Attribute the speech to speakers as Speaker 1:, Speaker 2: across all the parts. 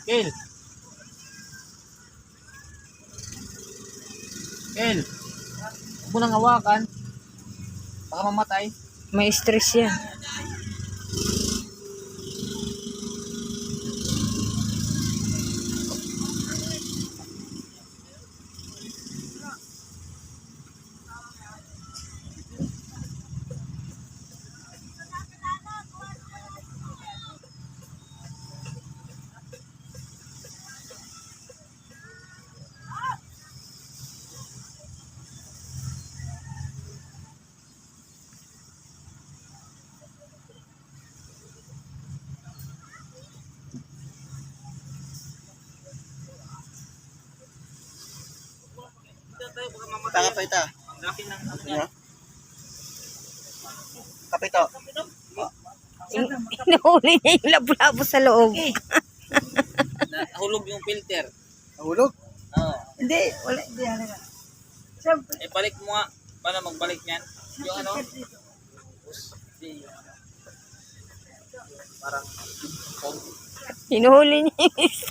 Speaker 1: Kel. Kel. Huwag mo nang hawakan. Baka mamatay.
Speaker 2: May stress yan.
Speaker 1: Kapita. Kapito.
Speaker 2: Inuhuli niya yung labo-labo sa loob.
Speaker 1: Nahulog yung filter.
Speaker 3: Nahulog?
Speaker 1: Oo.
Speaker 2: Hindi, wala. Hindi, halaga. Siyempre.
Speaker 1: Eh, balik mo nga. Paano magbalik niyan? Yung ano? Hindi, yung ano. Parang phone.
Speaker 2: Hinuhuli niya yung isa.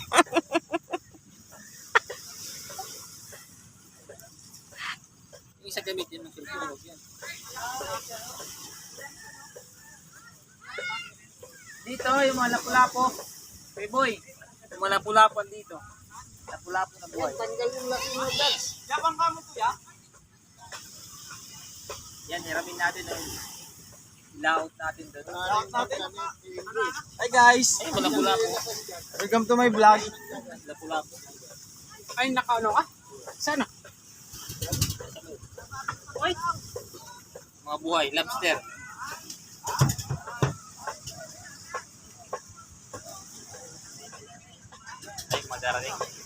Speaker 1: Yung isa gamitin ng filter. Yan. Dito, yung mga lapu-lapo. Hey boy, yung mga lapu-lapo dito. Lapu-lapo na buhay.
Speaker 3: Tanggal yung laki mo, Dads.
Speaker 1: Yapang ka mo to, ya? Yan, hiramin natin ang layout natin doon.
Speaker 3: Hi guys!
Speaker 1: Ay, mga lapu-lapo.
Speaker 3: Welcome to my vlog.
Speaker 1: Lapu-lapo.
Speaker 3: Ay, nakaano ka? Sana?
Speaker 1: Mga buhay, lobster. Ay, madarating.